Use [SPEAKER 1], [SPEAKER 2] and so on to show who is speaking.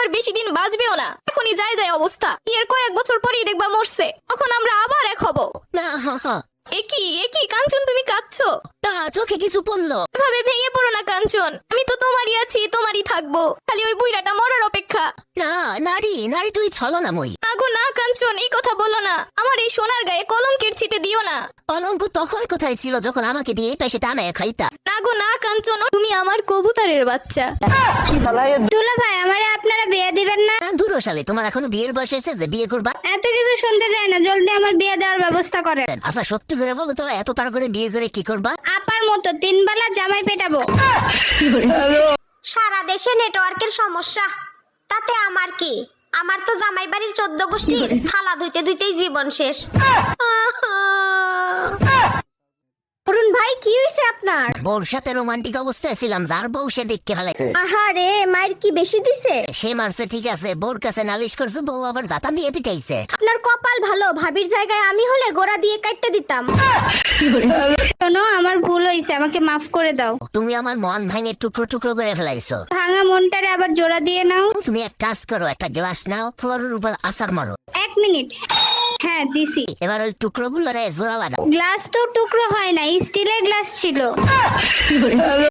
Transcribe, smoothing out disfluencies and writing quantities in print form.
[SPEAKER 1] বেশি দিন বাঁচবেও না। এখনই যায় যায় অবস্থা, এর কয়েক বছর পরেই দেখবা মরছে, তখন আমরা আবার এক হব।
[SPEAKER 2] না
[SPEAKER 1] একই কাঞ্চন, তুমি কাঁদছো?
[SPEAKER 2] তা চোখে কিছু পড়লো?
[SPEAKER 1] এভাবে ভেঙে পড়ো না কাঞ্চন, আমি তো তোমারই আছি, তোমারই থাকবো, খালি ওই বুইড়াটা মরার অপেক্ষা।
[SPEAKER 2] না নারী নারী তুই ছলনাময়ী।
[SPEAKER 1] আগো না কাঞ্চন, এই কথা বলো না, আমার এই সোনার গায়ে কলঙ্কের ছিটে দিও না।
[SPEAKER 2] কলঙ্ক তখন কোথায় ছিল যখন আমাকে দিয়ে পেশে টানায় খাইতা।
[SPEAKER 1] নাগো না কাঞ্চন, তুমি আমার কবুতরের বাচ্চা।
[SPEAKER 3] দুলা ভাই, আমারে আপনারা বিয়ে দিবেন না?
[SPEAKER 2] দূর সালে, তোমার এখনো বিয়ের বয়স হয়েছে যে বিয়ে করবা?
[SPEAKER 3] এত কিছু শুনতে চাই না, জলদি আমার বিয়ে দেওয়ার ব্যবস্থা করেন।
[SPEAKER 2] আচ্ছা সত্যি করে বলো তো, এত তার করে বিয়ে করে কি করবা?
[SPEAKER 3] আপার মতো 3 বেলা জামাই পেটাবো।
[SPEAKER 4] সারা দেশে নেটওয়ার্কের সমস্যা, তাতে আমার কি? আমার তো জামাই বাড়ির 14 গোষ্ঠীর থালা ধুইতে ধুইতেই জীবন শেষ।
[SPEAKER 3] অরুণ ভাই, কি হয়েছে আপনার?
[SPEAKER 2] বউর সাথে রোমান্টিক অবস্থায় ছিলাম, যার বউ সে দেখতে ফেলাইছে।
[SPEAKER 3] আহারে, মায়ের কি বেশি দিছে?
[SPEAKER 2] সে মারছে ঠিক আছে, বউর কাছে নালিশ করছে, বউ আবার দাতা নিয়ে পিটাইছে।
[SPEAKER 3] আপনার কপাল ভালো, ভাবির জায়গায় আমি হলে গোড়া দিয়ে কাটতে দিতাম। শোনো, আমার ভুল হয়েছে, আমাকে মাফ করে দাও।
[SPEAKER 2] তুমি আমার মন ভাঙে টুকরো টুকরো করে ফেলাইছো।
[SPEAKER 3] ভাঙা মনটারে আবার জোড়া দিয়ে নাও।
[SPEAKER 2] তুমি এক কাজ করো, একটা গ্লাস নাও, ফ্লোরের উপর আছাড় মারো।
[SPEAKER 3] 1 মিনিট। হ্যাঁ, দিছি।
[SPEAKER 2] এবার ওই টুকরো গুলো জোড়া লাগাও।
[SPEAKER 3] গ্লাস তো টুকরো হয় না, স্টিলের গ্লাস ছিল।